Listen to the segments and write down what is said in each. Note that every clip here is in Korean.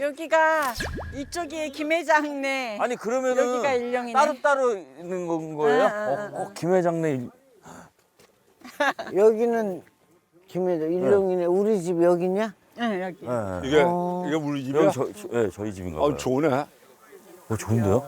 여기가 이쪽이 김회장네. 아니 그러면은 여기가 일령이네. 따로 있는 건 거예요? 김회장네. 여기는 김혜자 일용이네. 우리 집 여기냐? 응, 여기. 이게 우리 집이야? 여기 저희 집인가 봐요. 좋네. 좋은데요?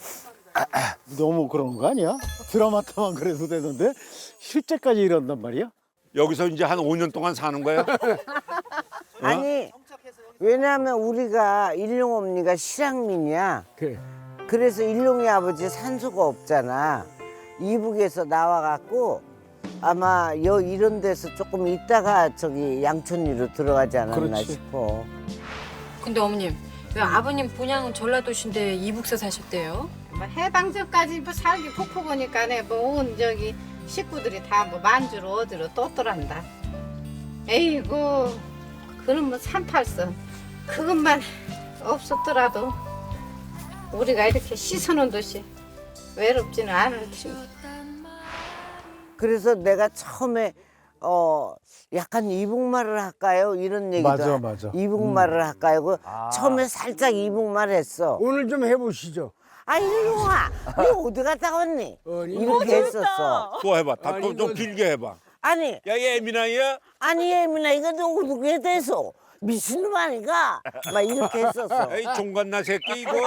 너무 그런 거 아니야? 드라마타만 그래도 되는데 실제까지 이런단 말이야? 여기서 이제 한 5년 동안 사는 거야? 아니 왜냐하면 우리가 일용 언니가 실향민이야. 그래. 그래서 일용이 아버지 산소가 없잖아. 이북에서 나와갖고 아마 이런 데서 조금 있다가 저기 양천리로 들어가지 않았나 그렇지. 싶어. 근데 어머님 왜 아버님 본향은 전라도신데 이북서 사셨대요? 뭐 해방전까지 뭐 살기 폭포보니까네 뭐 온 저기 식구들이 다 뭐 만주로 어디로 떴더란다. 에이구 그는 뭐 38선 그것만 없었더라도 우리가 이렇게 씻어놓은 듯이 외롭지는 않을 텐데. 그래서 내가 처음에 약간 이북말을 할까요? 이런 얘기도 맞아, 맞아. 이북말을 할까요? 처음에 살짝 이북말 했어. 오늘 좀 해보시죠. 아 일용아, 너 어디 갔다 왔니? 이렇게 했었어. 또 해봐. 좀 길게 해봐. 아니 야, 예민아야? 아니 예민아 이거 누구에 대해서 미친놈 아니가? 막 이렇게 했었어. 에이, 종갓나 새끼 이거.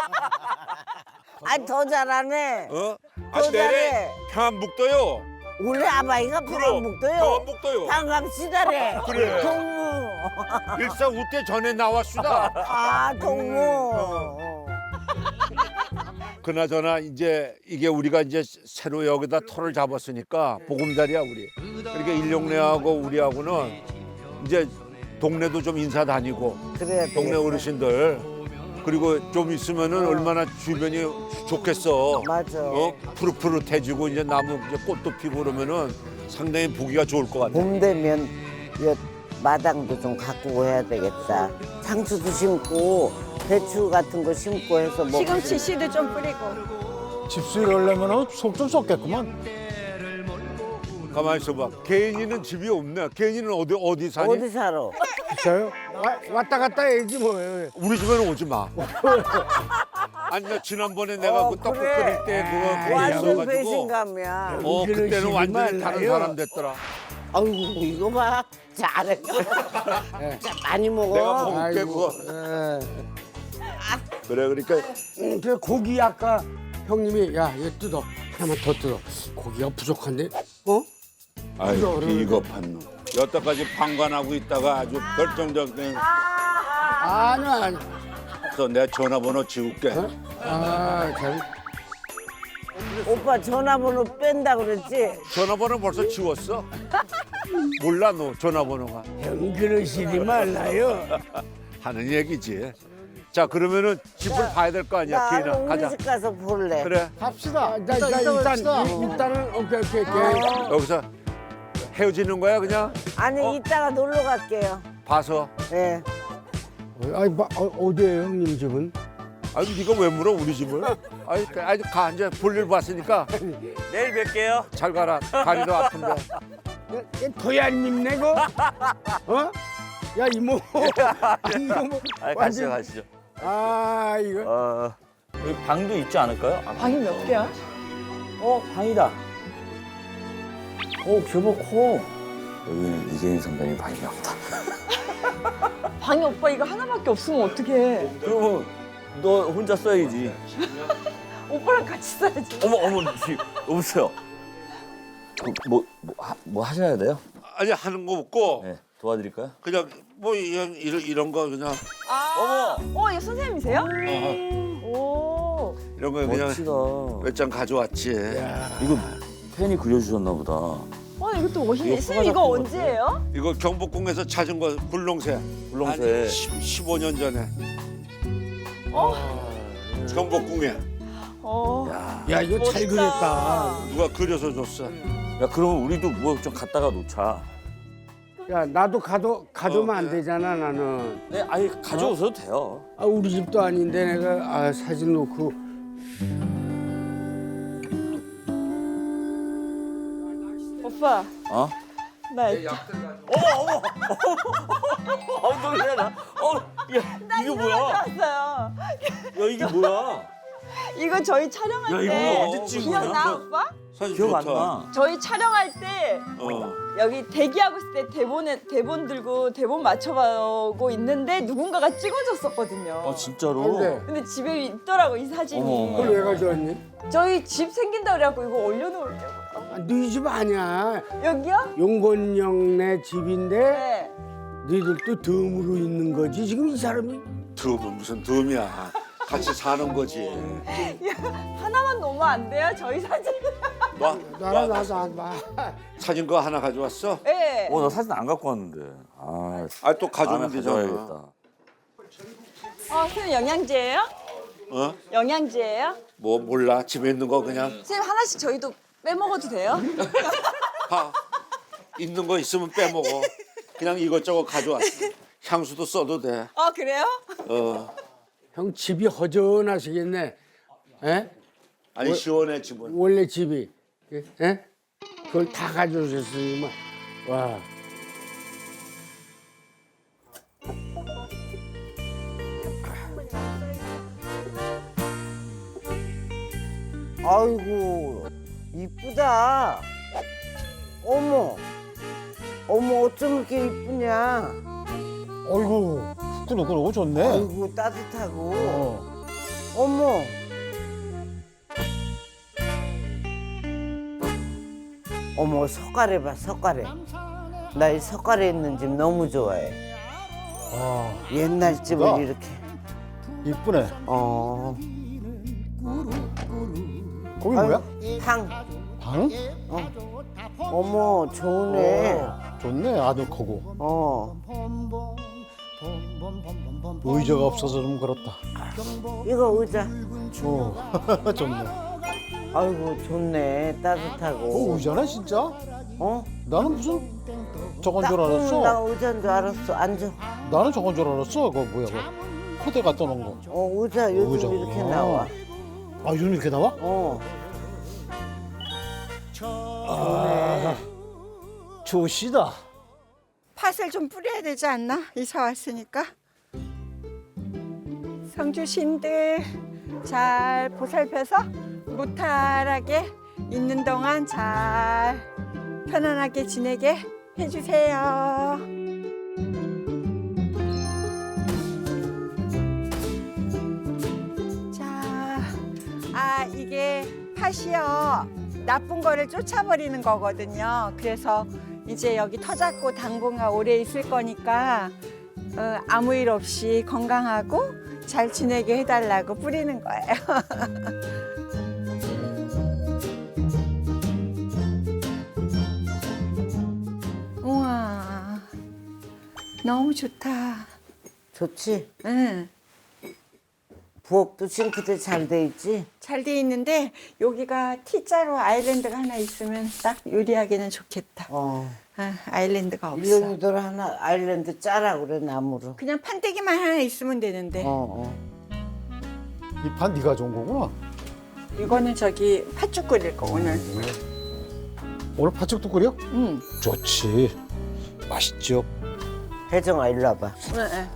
아니 더 잘하네. 어? 또 내래 잘해. 평안북도요. 원래 아바이가 평안북도요. 평안북도요. 반갑시다래. 그래. 동무. 일사후퇴 전에 나왔수다. 아 동무. 그나저나 이제 이게 우리가 이제 새로 여기다 터를 잡았으니까 보금자리야 우리. 그러니까 일용내하고 우리하고는 이제 동네도 좀 인사 다니고 그래야 동네 되겠다. 어르신들 그리고 좀 있으면은 얼마나 주변이 좋겠어. 맞아. 푸릇푸릇해지고 이제 나무 이제 꽃도 피고 그러면은 상당히 보기가 좋을 것 같아. 봄 되면 이 마당도 좀 가꾸고 해야 되겠다. 상추도 심고 배추 같은 거 심고 해서 먹고. 시금치 씨도 좀 뿌리고. 집수일 하려면 속 좀 썩겠구만. 가만히 있어봐. 개인이는 집이 없네. 개인이는 어디 사니? 어디 살아? 저요? 왔다 갔다 해야지 뭐. 우리 집에는 오지 마. 아니 나 지난번에 내가 그 떡국 그래. 끓일 때 그거 완전 있어가지고 배신감이야. 그때는 완전히 다른 사람 됐더라. 아이고 이거 봐. 잘해. 자, 많이 먹어. 내가 먹을게 그거. 그래 그러니까 그 고기 아까 형님이 야 얘 뜯어 하나만 더 뜯어 고기가 부족한데 어? 아유 비겁한 놈. 여태까지 방관하고 있다가 아주 결정적인 아니야 그래서 내 전화번호 지울게. 아잘 오빠 전화번호 뺀다 그랬지? 전화번호 벌써 지웠어? 몰라 너 전화번호가 형 그러시지 말라요. 하는 얘기지. 자 그러면은 집을 봐야 될 거 아니야. 나 기인아 우리 가자. 집 가서 볼래. 그래 갑시다. 일단은 오케이 여기서 헤어지는 거야 그냥 아니 이따가 놀러 갈게요. 봐서. 예. 아니 어디에요 형님 집은? 아니 네가 왜 물어 우리 집을? 아니 가 이제 볼일 봤으니까 내일 뵐게요. 잘 가라. 다리도 아픈데. 도야님 내고 어? 야 이모 아니 이거 뭐 가시죠 가시죠. 아 이거 여기 방도 있지 않을까요? 방이 몇 개야? 방이다. 교보 코. 여기는 이재인 선배님 방인가 보다. 방이 오빠 이거 하나밖에 없으면 어떡해. 그러면 너 혼자 써야지. 오빠랑 같이 써야지. 어머 여보세요. 뭐 하셔야 돼요? 아니 하는 거 없고 네 도와드릴까요? 그냥 뭐 이런 거 그냥 이거 선생님이세요? 오. 이런 거 그냥 멋지다. 몇 장 가져왔지. 이거 팬이 그려주셨나 보다. 이것도 멋있네. 이거 선생님 이거 소가 언제예요? 이거 경복궁에서 찾은 거 굴렁쇠. 굴렁쇠. 한 15년 전에. 경복궁에 야 이거 잘 그렸다. 누가 그려서 줬어. 야 그러면 우리도 뭐 좀 갖다가 놓자. 야 나도 가져오면 안 그래. 되잖아 나는. 네 아예 가져오셔도 돼요. 아 우리 집도 아닌데 내가 사진 놓고 오빠 어? 나 엉덩이야. 야, 이게 뭐야? 왔어요. 야, 이게 뭐야? 이거 저희 촬영할 야, 이거 때 언제 찍은 거야? 기억나 오빠? 사진 기억 안 좋다. 나. 저희 촬영할 때 여기 대기하고 있을 때 대본 들고 대본 맞춰가고 있는데 누군가가 찍어줬었거든요. 아, 진짜로? 근데 근데 집에 있더라고 이 사진이. 어머. 그걸 왜 가져왔니? 저희 집 생긴다 그래갖고 이거 올려놓으려고. 네 집 아니야. 여기요? 용건영네 집인데 네. 너희들도 덤으로 있는 거지. 지금 이 사람이 덤은 무슨 덤이야. 같이 사는 거지. 하나만 놓으면 안 돼요? 저희 사진. 나랑 나서 안 봐. 사진 그거 하나 가져왔어? 네. 나 사진 안 갖고 왔는데. 아, 또 가져오면 다음에 되잖아. 가져와야겠다. 선생님 영양제예요? 어? 영양제예요? 뭐 몰라. 집에 있는 거 그냥 선생님 하나씩 저희도 빼먹어도 돼요? 봐. 있는 거 있으면 빼먹어. 그냥 이것저것 가져왔어. 향수도 써도 돼. 그래요? 형 집이 허전하시겠네. 에? 아니 시원해 집은. 원래 집이. 에? 그걸 다 가져오셨으니만. 와. 아이고 이쁘다. 어머 어머 어쩜 이렇게 이쁘냐. 어이구 후끈후끈하고 좋네. 아이고 따뜻하고. 어. 어머 어머 석가래 봐 석가래. 나 이 석가래 있는 집 너무 좋아해. 아 옛날 집을 야. 이렇게. 이쁘네. 거기 뭐야? 방. 방? 어머 좋네. 좋네 아늑하고. 의자가 없어서 좀 그렇다. 이거 의자. 좋네. 아이고 좋네 따뜻하고. 의자네 진짜? 어? 나는 무슨 저건 줄 알았어. 나 의자인 줄 알았어. 앉아. 나는 저건 줄 알았어. 그거 뭐야 그거. 호대 갖다 놓은 거. 의자 요즘 의자. 이렇게 나와. 아 요즘 이렇게 나와? 좋시다. 팥을 좀 뿌려야 되지 않나? 이사 왔으니까. 성주신들 잘 보살펴서 무탈하게 있는 동안 잘 편안하게 지내게 해주세요. 자, 이게 팥이요. 나쁜 거를 쫓아버리는 거거든요. 그래서 이제 여기 터잡고 당분간 오래 있을 거니까 아무 일 없이 건강하고 잘 지내게 해달라고 뿌리는 거예요. 우와, 너무 좋다. 좋지? 응, 부엌도 싱크대 잘 돼 있지? 잘 돼 있는데 여기가 T자로 아일랜드가 하나 있으면 딱 요리하기는 좋겠다. 아일랜드가 없어. 일용이들 하나 아일랜드 짜라 그래 나무로. 그냥 판때기만 하나 있으면 되는데. 이 판 네가 좋은 거구나. 이거는 저기 팥죽 끓일 거 오늘. 오늘 팥죽도 끓여? 응. 좋지. 맛있죠. 혜정아 일로 와봐. 네.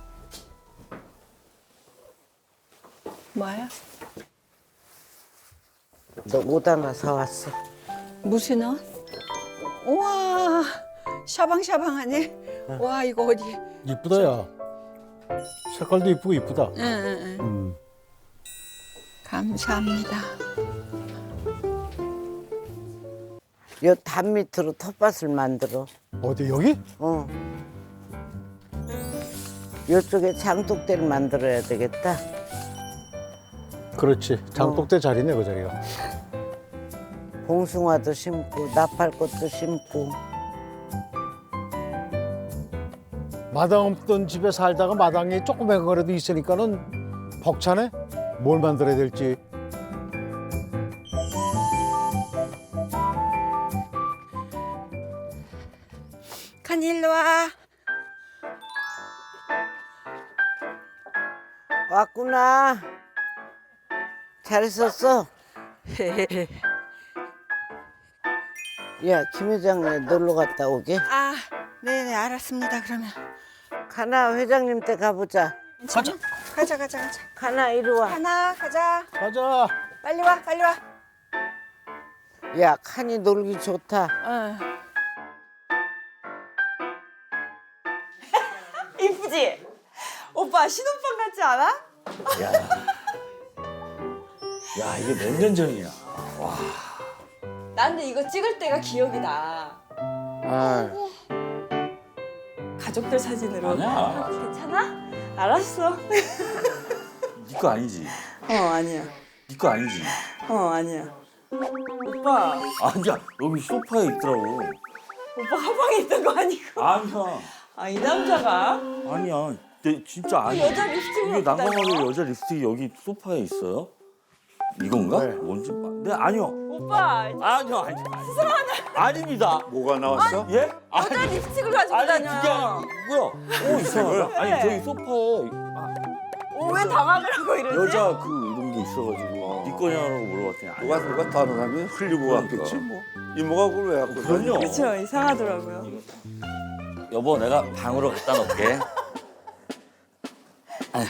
뭐야? 너 옷 하나 사왔어. 무슨 옷? 우와, 샤방샤방하네. 와, 이거 어디? 이쁘다 야. 색깔도 이쁘고 이쁘다. 응. 감사합니다. 요 담 밑으로 텃밭을 만들어. 어디 여기? 요쪽에 장독대를 만들어야 되겠다. 그렇지. 장독대 자리네 그 자리가. 봉숭아도 심고 나팔꽃도 심고. 마당 없던 집에 살다가 마당에 조그만 거라도 있으니까는 벅차네. 뭘 만들어야 될지. 간 일로 와. 왔구나. 잘 있었어? 야, 김 회장님 놀러 갔다 오게. 아, 네네 알았습니다. 그러면 가나 회장님 때 가보자. 가자. 가자. 가나 이리 와. 하나 가자. 가자. 빨리 와. 야, 칸이 놀기 좋다. 이쁘지? 오빠 신혼방 같지 않아? 야 이게 몇 년 전이야. 나 근데 이거 찍을 때가 기억이 나. 아, 가족들 사진으로. 아니야. 괜찮아? 알았어. 네 거 아니지. 아니야. 네 거 아니지. 아니야. 오빠, 아니야 여기 소파에 있더라고. 오빠 가방에 있던 거 아니고. 아니야. 아, 이 남자가? 아니야. 내 진짜 아니야. 여자 립스틱을 이게 갖다 난감하게 줘. 여자 립스틱이 여기 소파에 있어요? 이건가? 뭔지 네 아니요. 오빠, 아니요. 아닙니다. 뭐가 나왔어? 예? 여자 립스틱을 가지고 아니 다녀요. 그게 아니고요. 오 이상하다. 아니 저기 소파에 왜 당황을 하고 이러지? 여자 그 이런 게 있어가지고 네 거냐고 물어봤더니 아니야. 누가 다른 사람이 흘리고 그러니까. 갔겠지 뭐. 이모가 그걸 왜 갖고 그럼요. 그렇죠, 이상하더라고요. 여보 내가 방으로 갖다 놓을게. 아휴.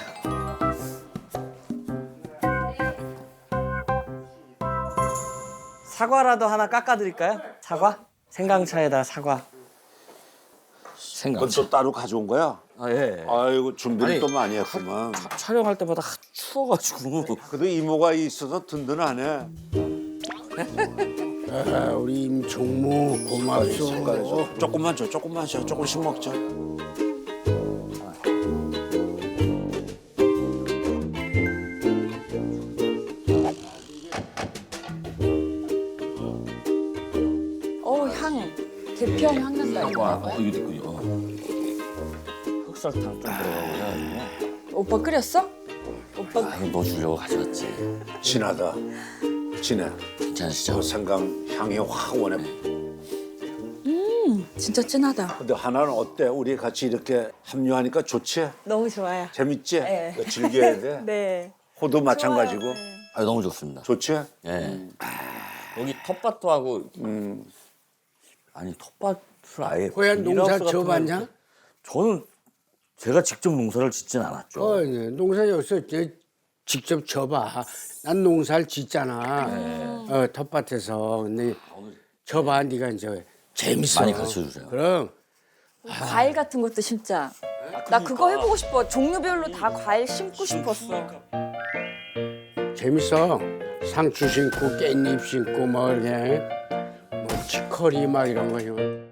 사과라도 하나 깎아드릴까요? 사과? 생강차에다 사과. 그건 생강차. 또 따로 가져온 거야? 아 예. 아이고 준비를 아니, 또 많이 했구만. 촬영할 때마다 하도 추워가지고. 그래도 이모가 있어서 든든하네. 아, 우리 임총무 고맙소. 조금만 줘, 조금씩 먹자. 향. 대평 향 난다. 와 이거 있군요. 흑설탕 좀 들어가고 해가지고. 오빠 끓였어? 오빠 아 이거 너 주려고 가져왔지. 진하다. 진해. 괜찮으시죠? 저 생강 향이 확 오네. 진짜 진하다. 근데 하나는 어때? 우리 같이 이렇게 합류하니까 좋지? 너무 좋아요. 재밌지? 네. 이거 즐겨야 돼. 네. 호도 마찬가지고. 좋아요. 네. 아 너무 좋습니다. 좋지? 예. 여기 텃밭도 하고 아니 텃밭을 아예 고향 농사 비닐하우스 같은 지어봤냐? 거- 저는 제가 직접 농사를 짓진 않았죠. 네. 농사 여기서 이제 직접 져봐. 난 농사를 짓잖아. 텃밭에서. 근데 져봐. 네가 이제 재밌어. 많이 가르쳐주세요. 그럼 과일 같은 것도 심자. 나 그거 해보고 싶어. 종류별로 다 과일 심고 싶었어. 재밌어. 상추 심고 깻잎 심고 뭐 이렇게 뭐 치커리 막 이런 거.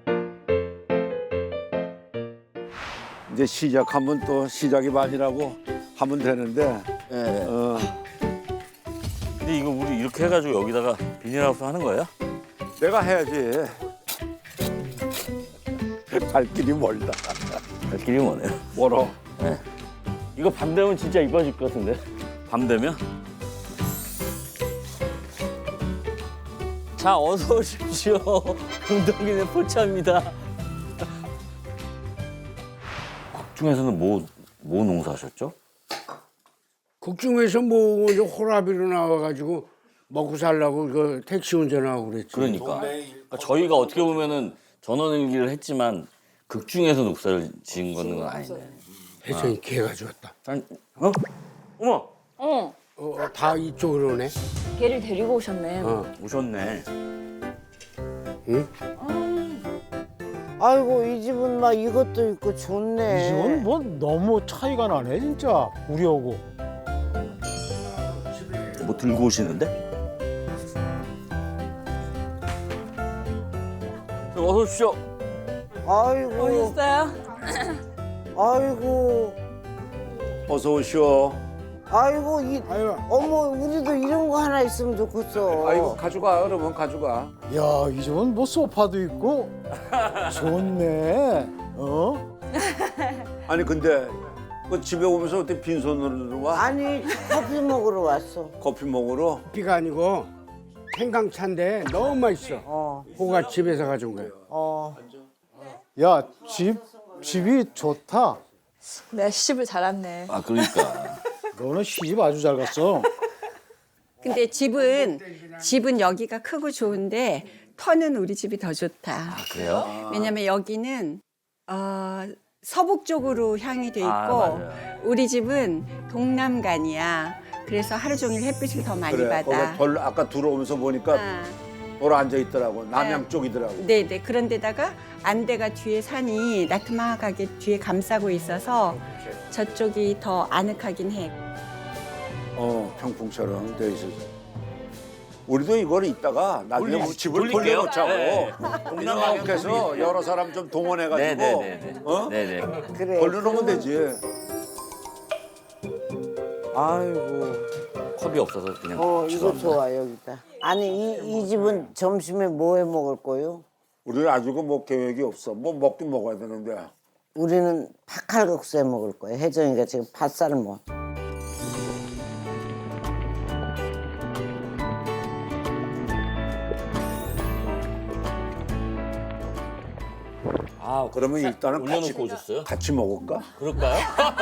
이제 시작하면 또 시작이 반이라고 하면 되는데. 예. 어, 근데 이거 우리 이렇게 해가지고 여기다가 비닐하우스 하는 거예요? 내가 해야지. 갈 길이 멀다. 갈 길이 뭐네요. 멀어. 이거 밤 되면 진짜 이뻐질 것 같은데. 밤 되면? 자 어서 오십시오. 금동이네 포차입니다. 국중에서는 뭐 농사하셨죠? 국중에서 뭐 이제 호라비로 나와가지고 먹고 살라고 그 택시 운전하고 그랬지. 그러니까 저희가 어떻게 보면은 전원일기를 했지만 극중에서 농사를 지은 거는 아니네. 혜성이 개 가져왔다. 어? 어머 어. 다 이쪽으로 오네. 걔를 데리고 오셨네. 오셨네. 아이고, 이 집은 막 이것도 있고 좋네. 이 집은 뭐 너무 차이가 나네 진짜 우리하고. 뭐 들고 오시는데? 어서 오십시오. 아이고, 오셨어요? 아이고, 어서 오시오. 아이고, 아유, 어머, 우리도 이런 거 하나 있으면 좋겠어. 아이고 가져가. 그러면 가져가. 야, 이 집은 뭐 소파도 있고 좋네. 아니 근데 그 집에 오면서 어떻게 빈손으로 와? 아니, 커피 먹으러 왔어. 커피 먹으러? 비가 아니고 생강차인데 너무 맛있어. 호가 집에서 가져온 거야. 야, 집이 좋다. 내가 시집을 잘 왔네. 아 그러니까. 너는 시집 아주 잘 갔어. 근데 집은 여기가 크고 좋은데 터는 우리 집이 더 좋다. 아, 그래요? 왜냐면 여기는 서북 쪽으로 향이 돼 있고 맞아요. 우리 집은 동남간이야. 그래서 하루 종일 햇빛을 더 많이 그래. 받아. 거기 벌 아까 들어오면서 보니까 아, 돌아 앉아 있더라고. 남양 쪽이더라고. 네네. 그런데다가 안대가 뒤에 산이 나트막하게 뒤에 감싸고 있어서 저쪽이 더 아늑하긴 해. 평풍처럼 돼 있어서. 우리도 이걸 이따가 나중에 돌리- 우리 집을 돌릴게요. 돌려놓자고. 네. 이렇게 해서 여러 사람 좀 동원해가지고 네네네. 어? 네네. 그래. 돌려놓으면 되지. 아이고. 컵이 없어서 그냥. 이거 죄송합니다. 좋아 여기다. 아니 이 집은 점심에 뭐 해 먹을 거요? 우리는 아주 뭐 계획이 없어. 뭐 먹긴 먹어야 되는데. 우리는 팥칼국수 해 먹을 거예요. 혜정이가 지금 팥살을 먹어. 아, 그러면 일단은 올려놓고 오셨어요? 같이 먹을까? 그럴까요?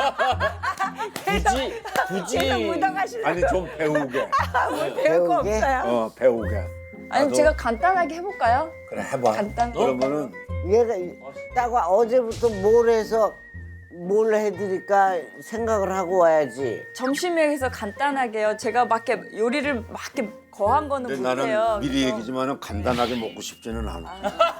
굳이. 아니 좀 배우게. 배울 거 배우게? 없어요. 배우게. 아니 나도- 제가 간단하게 해볼까요? 그래 해봐. 간단. 그러면은 얘가 따가 어제부터 뭘 해서 뭘 해드릴까 생각을 하고 와야지. 점심에 해서 간단하게요. 제가 막 이렇게 요리를 막 이렇게 거한 거는 근데 못해요. 나는 미리 그래서 얘기지만은 간단하게 먹고 싶지는 않아.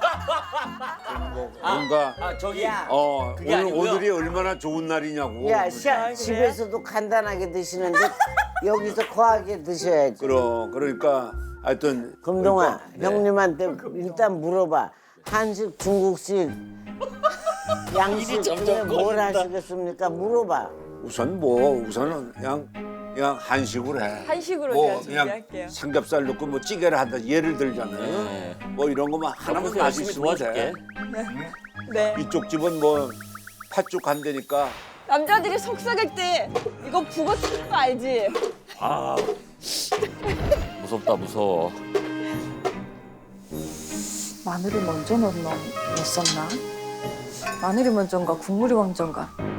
뭔가 저기. 그게 오늘 아니고요. 오늘이 얼마나 좋은 날이냐고. 야, 집에서도 간단하게 드시는데 여기서 거하게 드셔야지. 그러니까 하여튼 금동아, 네. 형님한테 일단 물어봐. 한식, 중국식, 양식 중에 뭘 하시겠습니까? 물어봐. 우선은 그냥 한식으로 해. 한식으로 뭐 제가 그냥 준비할게요. 삼겹살 넣고 뭐 찌개를 한다 예를 들자면 네. 뭐 이런 거만 하나만 옆에서 열심히 맛있으면 돼. 도와줄게. 네. 이쪽 집은 뭐 팥죽 한대니까 남자들이 속삭일 때 이거 북어 튀는 거 알지? 아. 무섭다, 무서워. 마늘을 먼저 넣었나? 마늘이 먼저인가 국물이 먼저인가?